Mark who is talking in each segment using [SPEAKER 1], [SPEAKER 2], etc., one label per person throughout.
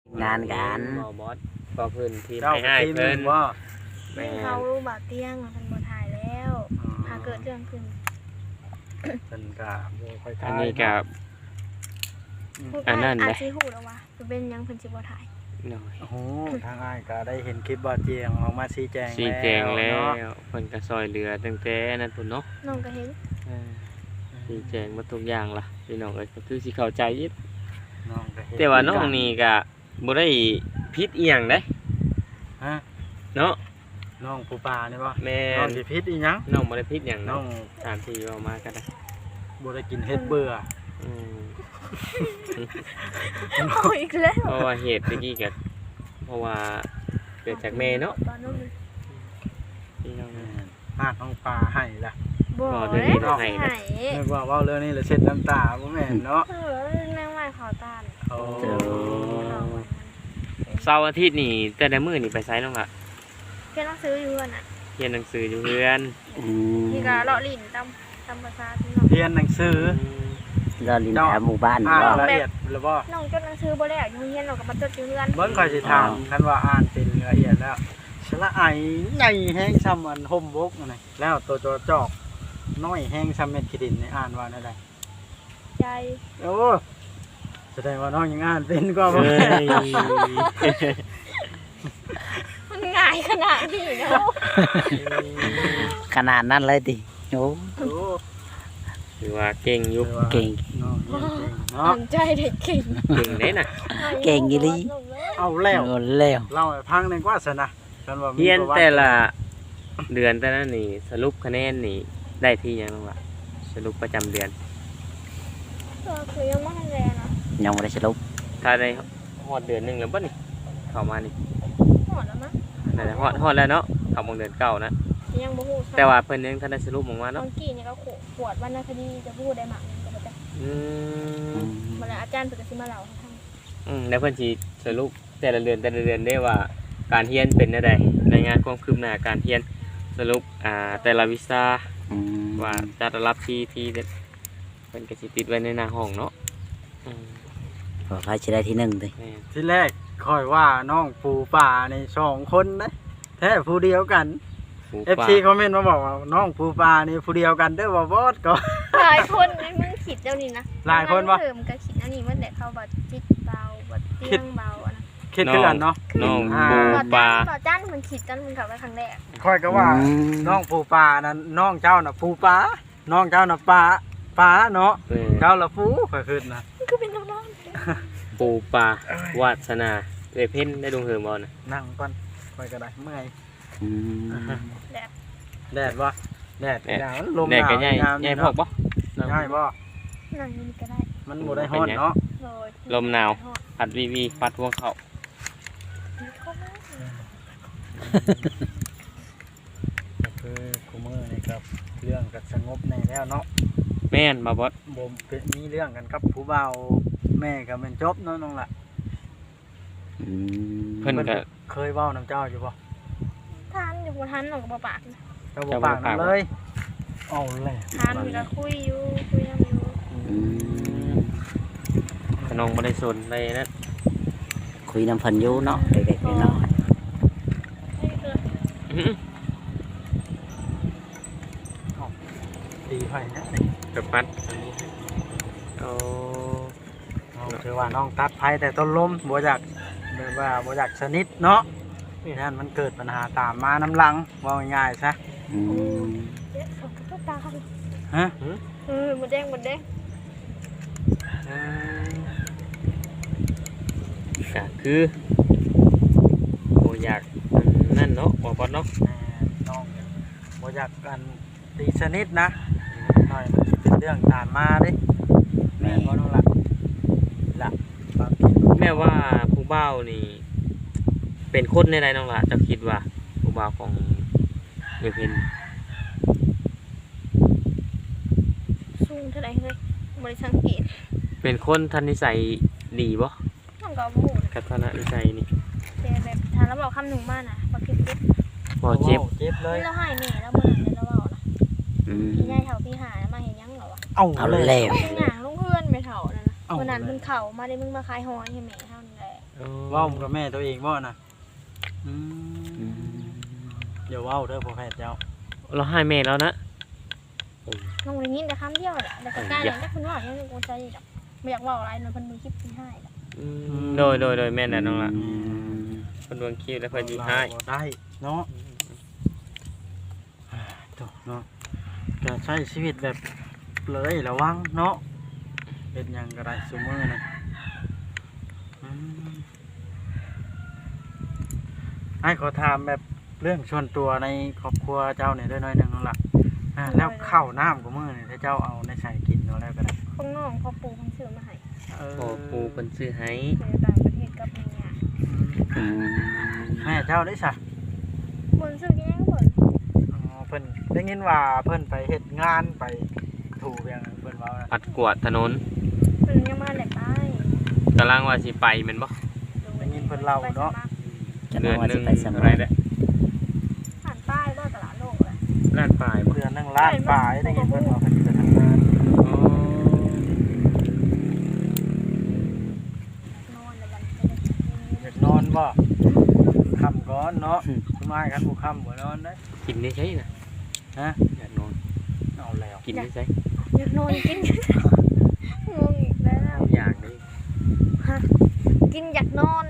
[SPEAKER 1] งานกัน
[SPEAKER 2] หมอบอสก็เพิ่นทีม
[SPEAKER 3] เจ้า
[SPEAKER 2] ให้
[SPEAKER 3] ทีม
[SPEAKER 2] เพิ่น
[SPEAKER 3] ว่า
[SPEAKER 2] แม่
[SPEAKER 4] เขาบาดเตียงมันบ่ถ่ายแล้วพาเกิดเรื่องขึ้น
[SPEAKER 3] เป็นกะบ่ค่อยทาย
[SPEAKER 2] อันนี้กับ อันนั้น
[SPEAKER 4] อา
[SPEAKER 2] เด้
[SPEAKER 4] จสิฮู้แล้วว่าเป็นหยังเพิ่นสิบ่ถ่าย
[SPEAKER 2] หน่อย
[SPEAKER 3] โอ้โหทางอ้ายก็ได้เห็นคลิปบ่เจียงออกมาชี้แจง
[SPEAKER 2] ชี้แจงแล้
[SPEAKER 3] เนาะ
[SPEAKER 2] วเพิ่นก็ซอยเหลือตั้งแต่นั้นพุ่นเนาะ
[SPEAKER 4] น้องก็เห็น
[SPEAKER 2] ชี้แจงมาทุกอย่างล่ะพี่น้องเอ้ยก็คือสิเข้าใจอีก
[SPEAKER 3] น้องก็เห็น
[SPEAKER 2] แต่ว่าน้องนี่ก็บ่ได้ผิดอีหยังเด้
[SPEAKER 3] ฮะ
[SPEAKER 2] เนาะ
[SPEAKER 3] น้องปูปลานี่บ่
[SPEAKER 2] แม่
[SPEAKER 3] น้อง
[SPEAKER 2] น
[SPEAKER 3] สิพิษอีหยัง
[SPEAKER 2] น้องบ่ได้ผิดหยัง
[SPEAKER 3] น้อ
[SPEAKER 2] เนาะ
[SPEAKER 3] ง
[SPEAKER 2] ตามที่เว้ามาก็ได้
[SPEAKER 3] บ่ได้กินเฮ็ดเบื่อ
[SPEAKER 2] อืม
[SPEAKER 4] เอาอีกแล้ว
[SPEAKER 2] เพราะว่าเหตุเมื่อกี้ก็เพราะว่าเกิดจากแม่เนาะ
[SPEAKER 4] ตอนนั้น
[SPEAKER 2] พี่น้อง
[SPEAKER 3] หากน้องปลาให้ล่ะ
[SPEAKER 4] บ่
[SPEAKER 2] เดี๋ยว
[SPEAKER 4] ได้
[SPEAKER 2] นี้
[SPEAKER 4] บ่
[SPEAKER 2] ให้
[SPEAKER 4] ให้
[SPEAKER 3] นึกว่าเว้าเรื่องนี้แล้วเช็ดน้ำตาบ่แม่นเนาะ
[SPEAKER 4] แม่งไม่ขอต้าน
[SPEAKER 3] โอ้
[SPEAKER 2] เสาร์อาทิตย์นี่แต่ละมื้อนี่ไปไสน้องล่ะ
[SPEAKER 4] เพิ่นต้องซื้ออยู่น่ะ
[SPEAKER 2] เรียนหนังสืออยู่เรือน
[SPEAKER 4] นี่ก็เลาะลิ้นตำภาษาที่น้อง
[SPEAKER 3] เรียนหนังสือ
[SPEAKER 1] เราลินแถวหมู่บ้าน
[SPEAKER 3] อ่าน
[SPEAKER 1] บ่
[SPEAKER 3] ละเอียดแล้วบ่
[SPEAKER 4] น้องจดหนังสือบ่แล้วอยู่เรียนเราก็มาจดอยู่เรือน
[SPEAKER 3] เบิ่งค่อยสิถามคันว่าอ่านเป็นละเอียดแล้วสระไอใหญ่แฮงซ้ำอันห่มบกนั่นน่ะแล้วตัวจอจอกน้อยแฮงซ้ำเม็ดขี้ดินนี่อ่านว่าได้
[SPEAKER 4] ใจ
[SPEAKER 3] โอ้แสดงว่าน้องยังอ่านเป็นก็บ่
[SPEAKER 2] เอ้
[SPEAKER 3] แม่น
[SPEAKER 2] ย
[SPEAKER 4] มันง่ายขนาดนี้เนาะ
[SPEAKER 1] ขนาดนั้นเลยติโอ้
[SPEAKER 3] โอ้
[SPEAKER 2] ถือว่าเก่งอยู่
[SPEAKER 1] เก่ง
[SPEAKER 3] น้องเรียนเก่งเนาะ
[SPEAKER 4] ตั้งใจเด็กเก่ง
[SPEAKER 2] เก่งได้น่ะ
[SPEAKER 1] เก่งอีหลี
[SPEAKER 3] เอาแล้ว
[SPEAKER 1] เงินแล้ว
[SPEAKER 3] เล่าให้ฟังหน่อยกว่าซะนะคันว่ามี
[SPEAKER 2] เรียน
[SPEAKER 3] ประวัติ
[SPEAKER 2] แต่ละเดือนแต่ละนี่สรุปคะแนนนี่ได้ที่หยังน้องล่ะสรุปประจำเดือน
[SPEAKER 4] คือยังไม่ทันแรงนะ
[SPEAKER 1] ยังบ่ได้สรุป
[SPEAKER 2] ถ้าได้ฮอดเดือนหนึงแล้วบ่นี่เข้ามานี่
[SPEAKER 4] หอดแล้วมั้ง
[SPEAKER 2] นั่นแหละฮอดแล้วเนาะเข้ามาเดือนเก่านะ
[SPEAKER 4] ยังบ่ฮู้
[SPEAKER 2] แต่ว่าเพิ่นยังทันได้สรุปออกมา
[SPEAKER 4] ตอ
[SPEAKER 2] เนาะ
[SPEAKER 4] นกี้นี่ก็ขวดวรรณคดีจะพูดได้หมักก็บ่ได้
[SPEAKER 2] อืม
[SPEAKER 4] มาแล้วอาจารย์เพิ่นก็สิมาเล่าให้ฟัง
[SPEAKER 2] แล้วเพิ่นสิสรุปแต่ละเดือนได้ว่าการเรียนเป็นจังได๋รายงานความคืบหน้าการเรียนสรุปแต่ละวิชา
[SPEAKER 1] อืม
[SPEAKER 2] ว่าจะได้รับที่เพิ่นก็สิติดไว้ในหน้าห้องเนาะอืม
[SPEAKER 1] ขอใครสิได้ที่หนึ่งติ
[SPEAKER 2] แม่น
[SPEAKER 3] ที่แรกค่อยว่าน้องปูป่าใน2คนนะแท้ผู้เดียวกัน
[SPEAKER 2] หมู
[SPEAKER 3] FC คอมเมนต์มาบอกว่าน้องปูป่านี่ผู้เดียวกันเด้อบ่บอสก็
[SPEAKER 4] หลายคนไอ้มึงคิดเจ้านี่นะ
[SPEAKER 3] หลายคนวะ
[SPEAKER 4] เพิ่มก็คิดอันนี้มันแต่เขาบ่จิตเบาบ่เตียงเบาอะนะ
[SPEAKER 3] คิดคือกันเนาะ
[SPEAKER 2] น้อง
[SPEAKER 3] อ่า
[SPEAKER 2] ปูปลา
[SPEAKER 4] ต่อจ้านมันคิดจันมันกลับไปครั้งแรก
[SPEAKER 3] ค่อยก็ว่าน้องปูป่านั้นน้องเจ้าน่ะปูป่าน้องเจ้าน่ะป่าเนาะ
[SPEAKER 2] เออ
[SPEAKER 3] เจ้าละปูค่อยขึ้นนะ
[SPEAKER 4] มันก็เป็นน้อง
[SPEAKER 2] ปูปลาวาสนาเอยเพ่นได้ดวงเหิมบ่น่ะ
[SPEAKER 3] นั่งก่อนค่อยก็ได้เมื่อย
[SPEAKER 1] อืม
[SPEAKER 4] ๆแบบ
[SPEAKER 3] แดดบ่แดดหนาวลมห
[SPEAKER 2] แน่
[SPEAKER 3] นาว
[SPEAKER 2] ก็ใหญ่
[SPEAKER 3] งาม
[SPEAKER 2] ใหญ่
[SPEAKER 3] นี่
[SPEAKER 2] พอก
[SPEAKER 3] เนาะ
[SPEAKER 2] บ่
[SPEAKER 3] ง่ายบ่
[SPEAKER 4] นั่งอยู่นี่ก็ได้
[SPEAKER 3] มันบ่ได้ฮ้อนเนาะ
[SPEAKER 4] โดย
[SPEAKER 2] ลมหนาวพัดวีพัดพวงเข้า
[SPEAKER 3] ก็คือคุมื้อนี่ครับเรื่องก็สงบแน่แล้วเนาะ
[SPEAKER 2] แม่นบ่บอส
[SPEAKER 3] บ่เป็นมีเรื่องกันกับผู้บ่าวแม่ก็แม่นจบเนาะน้องล่ะ
[SPEAKER 1] อืม
[SPEAKER 2] เพิ่นก็
[SPEAKER 3] เคยเว้านํเจ้าอยู่บ่
[SPEAKER 4] ทานอยู่บ่ทันหนองก็บ่ปากนะ
[SPEAKER 3] เจ้าบ่ปากนำเลยเอาแหละ
[SPEAKER 4] ทานอยู่ก็คุยอยู่คุยนำอยู่
[SPEAKER 1] อืม
[SPEAKER 2] ขนมบ่ได้สนได้นั่น
[SPEAKER 1] คุยน้ำเพันอยู่เนาะเด็กๆน้อย
[SPEAKER 2] อื้อ
[SPEAKER 3] ตีไผนะ
[SPEAKER 2] กับปัดอันนี้เอา
[SPEAKER 3] เอาคือว่าน้องตัดไผแต่ต้นลมบ่อยากแบบว่าบ่อยากสนิทเนาะนั่นมันเกิดปัญหาตามมาน้ำหลังว่าง่ายๆซะ
[SPEAKER 1] ๆอืม
[SPEAKER 4] เอ๊ะเขาก็ตาเขา
[SPEAKER 3] ฮะ
[SPEAKER 4] หมดแดงหมดแดง
[SPEAKER 2] ก็คือบ่อยากนั่นเนาะบ่บอสเนาะ
[SPEAKER 3] น้องบ่อยากกันตีสนิทนะหน่อยมันสิเป็นเรื่องตามมาเด้แม่ก็น้องละความคิด
[SPEAKER 2] แม่ว่าผู้บ่าวนี่ เป็นคนในใดน้องล่ะเจะคิดว่าผู้บ่าวของเยเพ็น
[SPEAKER 4] สูงเท่าไหร่เลยบริสังเกต
[SPEAKER 2] เป็นคนทันนิสัยดีบ่
[SPEAKER 4] น้องก็บ่ฮู้
[SPEAKER 2] กับทัศนนิสัยนี่
[SPEAKER 4] แต่แบบทานแล้วบอกคำหนึ่งมาน่ะบ่เก็บเก็บ
[SPEAKER 2] บ่เจ็บ
[SPEAKER 3] เจ็บเลย
[SPEAKER 4] นี่เราให้แม่แล้วมื้อนั้นเราเว้านะ
[SPEAKER 1] อืม
[SPEAKER 4] พี่ยายเฒ่าพี่หามาเฮ็ดหยังเหรอวะ
[SPEAKER 3] เอา
[SPEAKER 1] เอาแล้ว
[SPEAKER 4] ย่างลงเพื่อนแม่เฒ่านั่นน่ะวันนั้นเพิ่นเข้ามาได้มึงมาขายหอยให้แม่เฮานี่แหละ
[SPEAKER 2] อ๋อ
[SPEAKER 3] เว้ากับแม่ตัวเองบ่น่ะอืมเดี๋ยวเว้าเด้อพ่อแพทย์เจ้า
[SPEAKER 2] เราให้แม่แล้วนะ
[SPEAKER 4] น้องได้ยินแต่คำเดียวแหละแต่ก็กล้าเลยนะคุณว่ายังกูใจดอกไม่อยากเว้าอะไรนะเพิ่นมีคลิปที่ให้ดอก
[SPEAKER 2] โดยแม่น่ะน้องละเพิ่นเบิ่งคลิปแล้วเพิ่นสิให้
[SPEAKER 3] บ่ได้เนาะโตเนาะจะใช้ชีวิตแบบเลยระวังเนาะเป็นหยังก็ได้ซุมื้อน่ะอืมไอ้ขอถามแบบเรื่องส่วนตัวในครอบครัวเจ้าเนี่ยด้วยหน้อยหนึงนั่นล่ะแล้วข้าวน้ำกับมื้อนี่ถ้าเจ้าเอาในใส่กินเอาแล้วก็ได้
[SPEAKER 4] ข้างนอกพ่อปู่เพิ่นซื้อมาให้
[SPEAKER 2] พอปูเพิ่นซื้อให้
[SPEAKER 4] ในต่างประเทศกับเมีย
[SPEAKER 1] อืม
[SPEAKER 3] แม่เจ้าได้ซะ
[SPEAKER 4] บนซื้อกินยังเพิ่น
[SPEAKER 3] อ๋อเพิ่นได้ยินว่าเพิ่นไปเฮ็ดงานไปถูกอย่างเพิ่นเว้านะ
[SPEAKER 2] ปัดกวาดถนน
[SPEAKER 4] เพิ่นยังมาแหลกใต้
[SPEAKER 2] กำลังว่าสิไปแม่นบ่
[SPEAKER 3] ได้ยินเพิ่นเล่าเนาะ
[SPEAKER 1] จะ
[SPEAKER 2] เดื
[SPEAKER 1] น้
[SPEAKER 2] อ
[SPEAKER 1] อน งว่า
[SPEAKER 2] หนึ
[SPEAKER 1] สิ
[SPEAKER 2] ง
[SPEAKER 1] ไปส
[SPEAKER 2] อะ
[SPEAKER 1] มั
[SPEAKER 2] ไร
[SPEAKER 1] คร
[SPEAKER 2] เด้อ
[SPEAKER 4] ผ่านป้ายรอดตลาดโลกเลย
[SPEAKER 2] ล้านปลายบ่
[SPEAKER 3] เดือนหนึงล้านปลายได้ยินเพิ่นว่าเพิ่นจะทำงาน
[SPEAKER 2] อ๋อน
[SPEAKER 4] อนแล้วมัน
[SPEAKER 3] อยากนอนบ่ค่ำก่อนเนาะสมัยกันบ่ค่ำบ่นอนได้
[SPEAKER 2] กินได้ใช่น่ะ
[SPEAKER 3] ฮะ
[SPEAKER 2] อยากนอน
[SPEAKER 3] เอาแล้ว
[SPEAKER 2] กินได้ใช่
[SPEAKER 4] อยากนอนกินงงอีกแล้ว
[SPEAKER 2] อยากได้
[SPEAKER 4] กินอยากนอน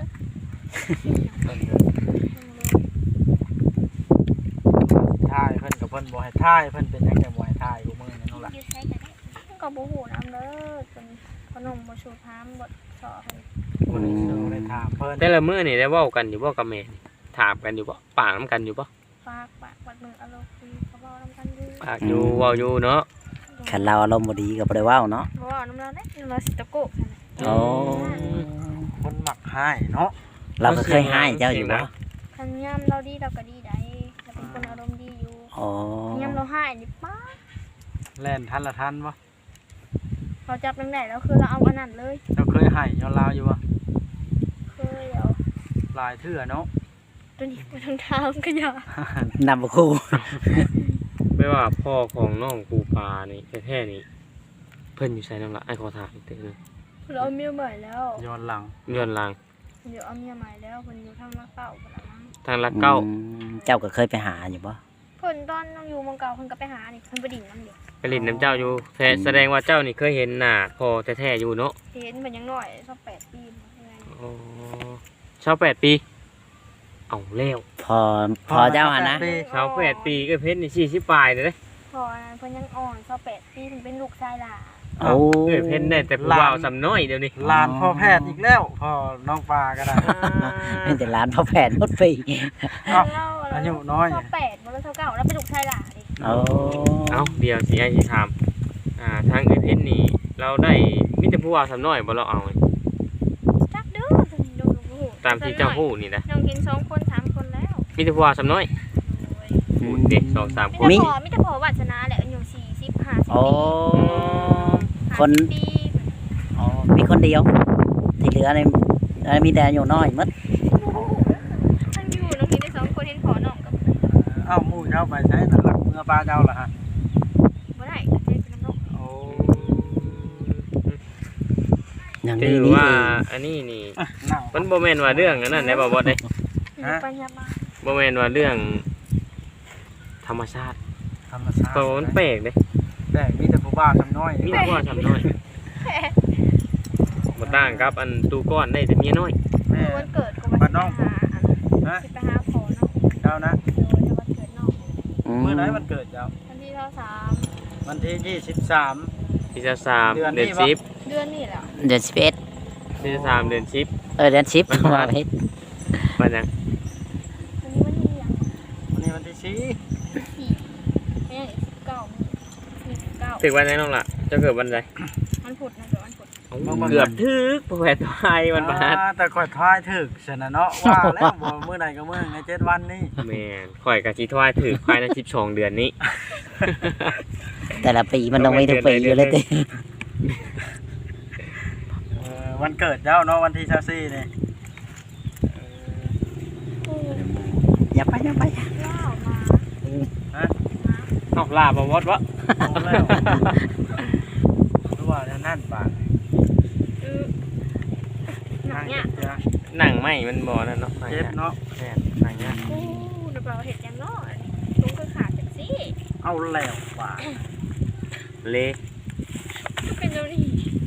[SPEAKER 3] ถ่ายเพิ่นกับเพิ่นบ่ให้ถ่ายเพิ่นเป็นหยังแต่บ่ให้ถ่ายกูมื้อนี้นั่นล่ะ
[SPEAKER 4] ก็บ่ฮู้นำเด้อจนขนมบ่ชูถามบ่สอเพิ่น
[SPEAKER 3] บ่ได้เจอได้ถามเพิ่น
[SPEAKER 2] แต่ละมื้อนี่ได้เว้ากันอยู่บ่กับแม่ถามกันอยู่บ่ปากน้ำกันอยู่บ่
[SPEAKER 4] ฝากปากวัดมืออารมณ์คุยเขาเว้านำกันอยู่
[SPEAKER 2] ปากอยู่เว้าอยู่เนาะ
[SPEAKER 1] คันเราอารมณ์บ่ดีก็บ่ได้เว้าเนาะ
[SPEAKER 4] บ่เว้านำเราได้เราสิตะโกกซั่นน่ะ
[SPEAKER 1] โอ้
[SPEAKER 3] คนมักให้เนาะ
[SPEAKER 1] เราก็เคยให้เจ้าอยู่บ่
[SPEAKER 4] คันยามเราดีเราก็ดีได้เราเป็นคนอารมณ์ดีอยู่
[SPEAKER 1] อ๋อย
[SPEAKER 4] ามเราให้นี่ป๊า
[SPEAKER 3] แล่นทันละทันบ่
[SPEAKER 4] เราจับจังได๋แล้วคือเราเอาอันนั้นเลย
[SPEAKER 3] เจ้าเคยให้ย้อนลาวอยู่บ่
[SPEAKER 4] เคยเอา
[SPEAKER 3] หลายเทื่อเนาะ
[SPEAKER 4] ตัวนี้ไปทางเท้าก็อย่าน
[SPEAKER 1] ำบ่คู่
[SPEAKER 2] ไม่ว่าพ่อของน้องปูปลานี่แท้ๆนี่เพิ่นอยู่ไสนำละไอ้ขอถามอีกเทื่อนึง
[SPEAKER 4] เราเอาเมียใหม่แล้ว
[SPEAKER 3] ย้อนหลัง
[SPEAKER 2] ย้อนหลัง
[SPEAKER 4] เดี๋ยวเอาเมียใหม่แล้วเพิ่นอยู่ทางรักเก่าพุ่นละมั้ง
[SPEAKER 2] ทางลักเก้า
[SPEAKER 1] อืมเจ้าก็เคยไปหาอยู่บ่
[SPEAKER 4] เพิ่นตอนน้องอยู่เมืองเก่าเพิ่นก็ไปหานี่เพิ่นไปดิ่งน้ำเดียว
[SPEAKER 2] ไปเลินน้ำเจ้าอยู่แสดงว่าเจ้านี่เคยเห็นหน้าพ่อแท้ๆอยู่เนาะ
[SPEAKER 4] เห็นมันยังน้อยสัก8 ปีมาไง
[SPEAKER 2] อ๋อชาว8 ปี เอาแล้ว
[SPEAKER 1] พอเจ้าหั่นนะ
[SPEAKER 2] ชาว8 ปีก็เพชรนี่40ปลายเลยเด้
[SPEAKER 4] พอนั้นเพิ่นยังอ่อนสัก8 ปีเพิ่นเป็นลูกชายหล่า
[SPEAKER 1] โอ้
[SPEAKER 2] เอ้ยเพชรได้แต่ผู้บ่าวสำน้อยเดี๋ยวนี้
[SPEAKER 3] หลานพ่อแพทย์อีกแล้วพ่อน้องปลาก็ได้
[SPEAKER 1] เป็นแต่ร้านพ่อแผนหมดปี
[SPEAKER 3] เอ้าอายุน้อย
[SPEAKER 4] สัก8บ่แล้วเท่าเก่าแล้วเป็นลูกชายหล่าดิ
[SPEAKER 1] โอ้
[SPEAKER 2] เอาเดี๋ยวสิไอ้สิถามทางเอ้ยเพชรนี่เราได้มีแต่ผู้บ่าวสำน้อยบ่เราเอา
[SPEAKER 4] จักเด้อดูดู
[SPEAKER 2] ตามที่เจ้าฮู้นี่นะ
[SPEAKER 4] น้องเห็น2คน3คนแล้ว
[SPEAKER 2] มีแต่ผู้บ่าวสำน้อยพูดเด็ก2-3 คน
[SPEAKER 4] มีแต่พอวาสนาแหละอายุ40 50
[SPEAKER 1] โอ้
[SPEAKER 4] ปี
[SPEAKER 1] คน
[SPEAKER 4] 50ปี
[SPEAKER 1] อ๋อมีคนเดียว ที่เหลือนี่มีแต่อายุน้อยหมด
[SPEAKER 4] ทั้งอยู่น้องเห็นได้2คนเห็นพอน้องกับ
[SPEAKER 3] เอ้าหมู่เจ้าไปใช้นั่นหลักเมื่อปลาเจ้าล่ะฮะ
[SPEAKER 4] บ่ได้ก็เป็นน้ำนก
[SPEAKER 3] โอ้
[SPEAKER 1] อย่าง
[SPEAKER 2] ถื
[SPEAKER 1] นี้
[SPEAKER 2] อ
[SPEAKER 1] นี่
[SPEAKER 2] ว่า
[SPEAKER 1] เอง
[SPEAKER 2] อันนี้นี่
[SPEAKER 3] นั่ง
[SPEAKER 2] มันบ่แม่นว่าเรื่องอันนั้นได้บ่บ่ได้
[SPEAKER 4] อยู่ปัญญามา
[SPEAKER 2] บ่แม่นว่าเรื่องธรรมชาติ
[SPEAKER 3] ธรรมชาติ
[SPEAKER 2] โตมันแปลกเด้
[SPEAKER 3] แต่มีแต่ผู้บ้าทำน้อย
[SPEAKER 2] มีแต่ผู้บ่าวสำน้อยบ่ต่างกับอันตูก้อนได้แต่เมียน้อย
[SPEAKER 3] แม่
[SPEAKER 4] วันเกิดก็วันที่5
[SPEAKER 3] ฮะ
[SPEAKER 4] สิไปหาพอน้อง
[SPEAKER 3] เจ้านะ
[SPEAKER 4] โดยวันเกิดน้อง
[SPEAKER 3] เมื่อไหร่วันเกิดเจ้า
[SPEAKER 4] วันที่23
[SPEAKER 3] วันที่23
[SPEAKER 2] ที่3
[SPEAKER 3] เดื
[SPEAKER 2] เดื
[SPEAKER 3] อ
[SPEAKER 2] อน น
[SPEAKER 3] นี้
[SPEAKER 2] 10
[SPEAKER 4] เดือนนี้แหละ
[SPEAKER 1] เดือน11
[SPEAKER 2] ที่3เดือน10
[SPEAKER 1] เดือน10ว่าเพชร
[SPEAKER 2] ว่าหยัง
[SPEAKER 4] วันนี้วันที่ยัง
[SPEAKER 3] วันนี้วันที่4
[SPEAKER 4] 4ไม่ใช่19
[SPEAKER 2] ถึงวันไหนน้องล่ะเจะเกิดวันใด
[SPEAKER 4] วันพุธนะเกิดวันพุธ
[SPEAKER 2] เกือบถึกบ่แพ้ตายวันพฤหัส
[SPEAKER 3] แต่ข่อยทายถึกซะนะเนาะว่าแล้วบ่มื้อใดก็มื้อใน7วันนี้
[SPEAKER 2] แม่นข่อยก็สิทวายถึกภายใน12 เดือนนี้
[SPEAKER 1] แต่ละปีมันต้องมีทุกปีอยู่เลยติ
[SPEAKER 3] วันเกิดเจ้าเนาะวันที่24นี่
[SPEAKER 1] อย่าไป
[SPEAKER 4] เล่ามา
[SPEAKER 2] เอาลาบ่วดวะ
[SPEAKER 3] เอาแล้วรู้ว่านั่นบาด
[SPEAKER 4] หนั
[SPEAKER 3] นั่
[SPEAKER 4] ก
[SPEAKER 3] ง
[SPEAKER 4] เนี่ย
[SPEAKER 3] เจ้า
[SPEAKER 2] หนังไหมมันบ่นั่นเนาะ
[SPEAKER 3] เจ็บเนาะ
[SPEAKER 2] แม่นหนังเนี้ย
[SPEAKER 4] โอ้เดี๋ยวเราเห็ดยังเนาะลุงก็ขาดจังสิ
[SPEAKER 3] เอาแล้วว่า
[SPEAKER 2] เละ
[SPEAKER 4] ก็เป็นเจ้านี่